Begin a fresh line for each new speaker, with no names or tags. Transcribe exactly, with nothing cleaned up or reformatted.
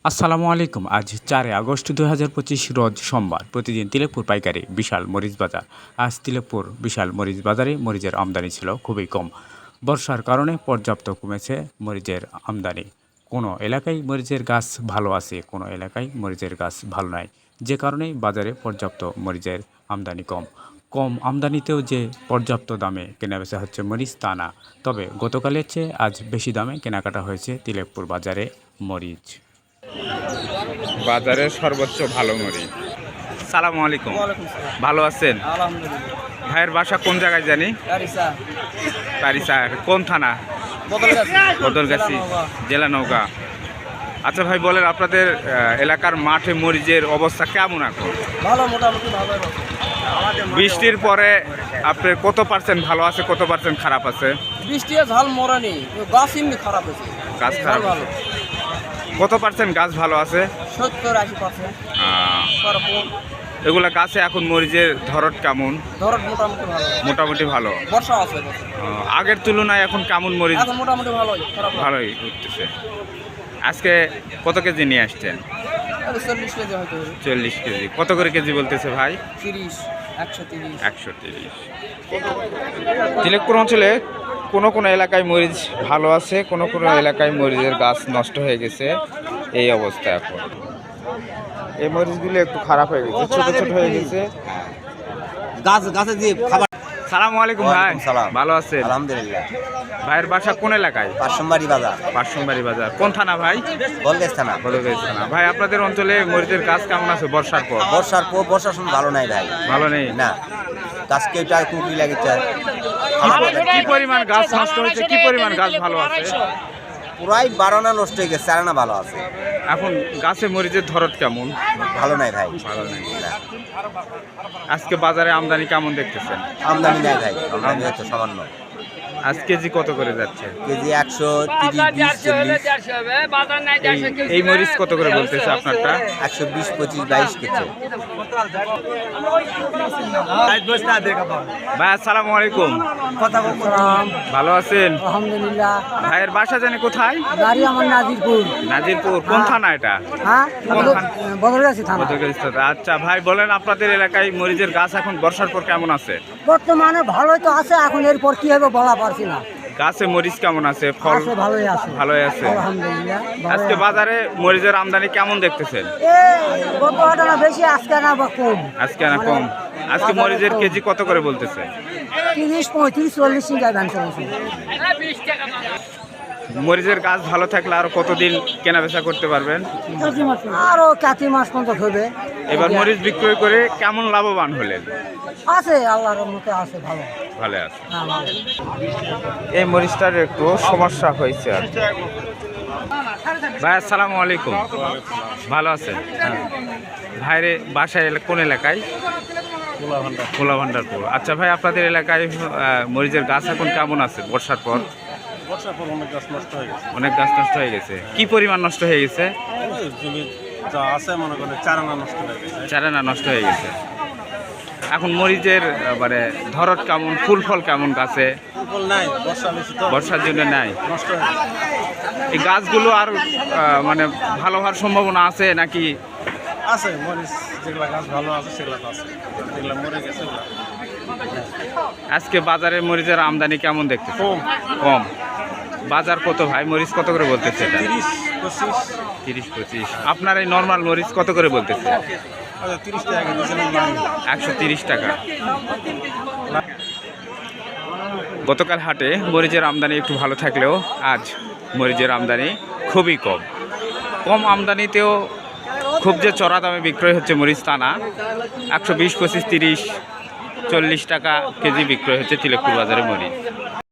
আসসালামু আলাইকুম। আজ চারই আগস্ট দুই হাজার পঁচিশ রোজ সোমবার। প্রতিদিন তিলেকপুর পাইকারি বিশাল মরিচ বাজার। আজ তিলেকপুর বিশাল মরিচ বাজারে মরিচের আমদানি ছিল খুবই কম। বর্ষার কারণে পর্যাপ্ত কমেছে মরিচের আমদানি। কোনো এলাকায় মরিচের গাছ ভালো আছে, কোনো এলাকায় মরিচের গাছ ভালো নয়, যে কারণে বাজারে পর্যাপ্ত মরিচের আমদানি কম। কম আমদানিতেও যে পর্যাপ্ত দামে কেনাবেচা হচ্ছে মরিচ তা না, তবে গতকালের চেয়ে আজ বেশি দামে কেনাকাটা হয়েছে তিলেকপুর বাজারে মরিচ। বাজারের সর্বোচ্চ ভালো মরিচ। সালামু আলাইকুম। ভালো আছেন? ভাইয়ের বাসা কোন জায়গায় জানি? তারিসা। কোন থানা? বদলগাছি, জেলা নওগাঁ। আচ্ছা ভাই বলেন, আপনাদের এলাকার মাঠে মরিচের অবস্থা কেমন এখন?
ভালো, মোটামুটি ভালো।
বৃষ্টির পরে আপনার কত পার্সেন্ট ভালো আছে, কত পার্সেন্ট খারাপ আছে?
বৃষ্টি ঝাল মরানি, গাছ এমনি খারাপ আছে।
গাছ খারাপ ভালো। কত পার্সেন্ট গাছ ভালো আছে?
সত্তর আশি পার্সেন্ট।
এগুলা গাছে এখন মরিচের ধরত কেমন?
ধরত মোটামুটি ভালো।
মোটামুটি ভালো।
বর্ষা আছে।
আগের তুলনায় এখন কেমন মরিচ?
এখন মোটামুটি ভালোই, খারাপ না।
ভালোই উঠতেছে। আজকে কত কেজি নিয়ে আসছেন?
চল্লিশ কেজি হয়তো।
চল্লিশ কেজি। কত করে কেজি বলতেছে ভাই?
তিরিশ, একশো তিরিশ।
একশো তিরিশ। তিলেকপুর অঞ্চলে কোনো কোনো এলাকায় মরিচ ভালো আছে, কোনো কোনো এলাকায় মরিচের গাছ নষ্ট হয়ে গেছে। এই অবস্থা এখন। এই মরিচগুলো একটু খারাপ হয়ে গেছে, ছোট ছোট হয়ে গেছে।
গাছ গাছে দিয়ে খাবার।
সালামু আলাইকুম ভাই। ভালো আছেন?
আলহামদুলিল্লাহ।
ভাইয়ের বাসা কোন এলাকায়?
পাঁচশোমবাড়ি বাজার।
পাঁচশোমবাড়ি বাজার। কোন থানা ভাই?
বলগেছ থানা।
বলগেছ থানা। ভাই আপনাদের অঞ্চলে মরিচের গাছ কেমন আছে বর্ষার পর?
বর্ষার পর বর্ষার সময় ভালো নাই ভাই।
ভালো নেই
না, গাছ কেউটা কুকুরি লাগেছে।
কি পরিমাণ গাছ নষ্ট হয়েছে, কি পরিমাণ গাছ ভালো আছে?
পুরাই বারোনা নষ্ট হয়ে গেছে, চারানা ভালো আছে।
এখন গাছে মরিচের ধরত কেমন?
ভালো নাই ভাই।
ভালো নাই। আজকে বাজারে আমদানি কেমন দেখতেছেন?
আমদানি নাই ভাই, আমদানি হচ্ছে সামান্য।
আজ কেজি কত করে যাচ্ছে?
কেজি একশো তিরিশ, বিশ, চল্লিশ।
এই মরিচ কত করে বলতেছে আপনারটা?
একশো বিশ, পঁচিশ, বাইশ কেজি।
ভাই আসসালামু আলাইকুম। ভালো আছেন?
আলহামদুলিল্লাহ।
ভাইয়ের বাসা জানি কোথায়?
বাড়ি আমার নাজিরপুর।
নাজিরপুর। কোন থানা এটা?
হ্যাঁ, বদলগাছি থানা।
বদলগাছি থানা। আচ্ছা ভাই বলেন, আপনাদের এলাকায় মরিচের গাছ এখন বর্ষার পর কেমন আছে?
বর্তমানে ভালোই তো আছে, এখন এরপর কি হবে বলা পারছি না।
গাছে মরিচ কেমন আছে? ফল
আছে, ভালোই আছে।
ভালোই আছে
আলহামদুলিল্লাহ।
আজকে বাজারে মরিচের আমদানি কেমন দেখতেছেন?
এই গত হাটানা বেশি, আজকে না বা কম।
আজকে না কম। আজকে মরিচের কেজি কত করে বলতেছে?
তিরিশ, পঁয়ত্রিশ, চল্লিশ টাকা দাম চলছে।
মরিচের গাছ ভালো থাকলে আরো কতদিন কেনা বেচা করতে পারবেন?
আরো কাতি মাস পর্যন্ত হবে।
এবার মরিচ বিক্রয় করে কেমন লাভবান হলেন?
আছে, আল্লাহর মতে আছে, ভালো
ভালো আছে।
হ্যাঁ, ভালো।
এই মরিচটার একটু সমস্যা হয়েছে আর কি। ভাই আসসালামু আলাইকুম। ভালো আছেন? ভাইরে বাসায় কোন এলাকায়? খোলা ভান্ডারপুর। আচ্ছা ভাই, আপনাদের এলাকায় মরিচের গাছ এখন কেমন আছে বর্ষার পর?
বর্ষার পর অনেক গাছ নষ্ট হয়ে গেছে।
অনেক গাছ নষ্ট হয়ে গেছে। কি পরিমাণ নষ্ট হয়ে গেছে?
যা আছে মনে করেন চারানা নষ্ট হয়ে গেছে।
চারানা নষ্ট হয়ে গেছে। এখন মরিচের মানে ধরত কেমন, ফুল ফল কেমন গাছে?
ফুল নাই, বর্ষা বেশি তো।
বর্ষার জন্য নাই,
নষ্ট হয়ে গেছে।
এই গাছগুলো আর মানে ভালো হওয়ার সম্ভাবনা আছে নাকি?
আছে মরিচ, যেগুলা গাছ ভালো আছে সেগুলা আছে, যেগুলা মরে গেছে ওগুলা।
আজকে বাজারে মরিচের আমদানি কেমন দেখতে?
কম।
কম। বাজার কত ভাই? মরিচ কত করে বলতেছে?
তিরিশ, পঁচিশ।
তিরিশ পঁচিশ। আপনার এই নর্মাল মরিচ কত করে বলতেছে?
তিরিশ টাকা দিয়েছিলাম।
একশো তিরিশ টাকা। গতকাল হাটে মরিচের আমদানি একটু ভালো থাকলেও আজ মরিচের আমদানি খুবই কম। কম আমদানিতেও খুব যে চড়া দামে বিক্রয় হচ্ছে মরিচ তা না। একশো বিশ, পঁচিশ, তিরিশ, চল্লিশ টাকা কেজি বিক্রয় হচ্ছে তিলেকপুর বাজারে মরিচ।